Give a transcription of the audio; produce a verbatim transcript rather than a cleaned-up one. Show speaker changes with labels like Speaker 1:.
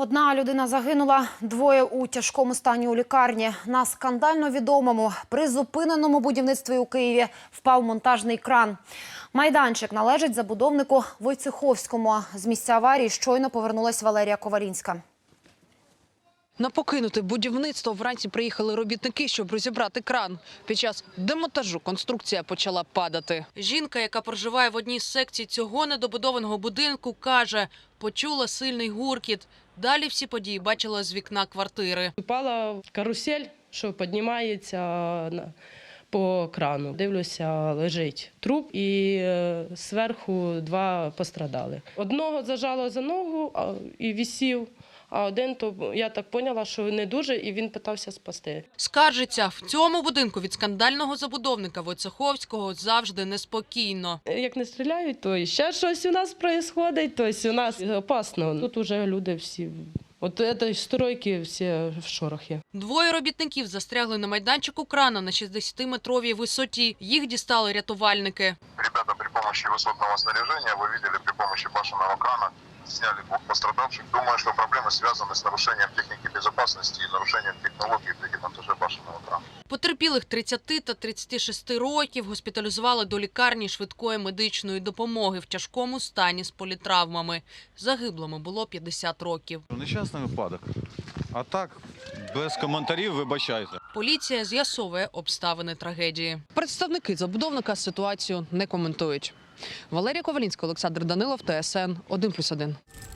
Speaker 1: Одна людина загинула, двоє у тяжкому стані у лікарні. На скандально відомому призупиненому будівництві у Києві впав монтажний кран. Майданчик належить забудовнику Войцеховському. З місця аварії щойно повернулась Валерія Ковалінська.
Speaker 2: На покинуте будівництво вранці приїхали робітники, щоб розібрати кран. Під час демонтажу конструкція почала падати. Жінка, яка проживає в одній з секцій цього недобудованого будинку, каже, почула сильний гуркіт. Далі всі події бачила з вікна квартири.
Speaker 3: Упала карусель, що піднімається по крану. Дивлюся, лежить труп і зверху два пострадали. Одного зажало за ногу і висів. А один, то я так поняла, що не дуже, і він питався спасти.
Speaker 2: Скаржиться, в цьому будинку від скандального забудовника Войцеховського завжди неспокійно.
Speaker 3: Як не стріляють, то ще щось у нас відбувається, тобто у нас опасно. Тут вже люди всі, от цієї стройки всі в шорохі.
Speaker 2: Двоє робітників застрягли на майданчику крана на шістдесятиметровій висоті. Їх дістали рятувальники.
Speaker 4: Ребята при помощи высотного снаряжения, вы видели, при помощи башенного крана сняли двух пострадавших. Думаю, что проблемы связаны с нарушением техники безопасности и нарушением технологии при демонтаже башенного крана.
Speaker 2: Потерпілих тридцяти та тридцяти шести років госпіталізували до лікарні швидкої медичної допомоги в тяжкому стані з політравмами. Загиблому було п'ятдесят років.
Speaker 5: Нещасний випадок. А так, без коментарів, вибачайте.
Speaker 2: Поліція з'ясовує обставини трагедії. Представники забудовника ситуацію не коментують. Валерія Ковалінська, Олександр Данилов, Т С Н один плюс один.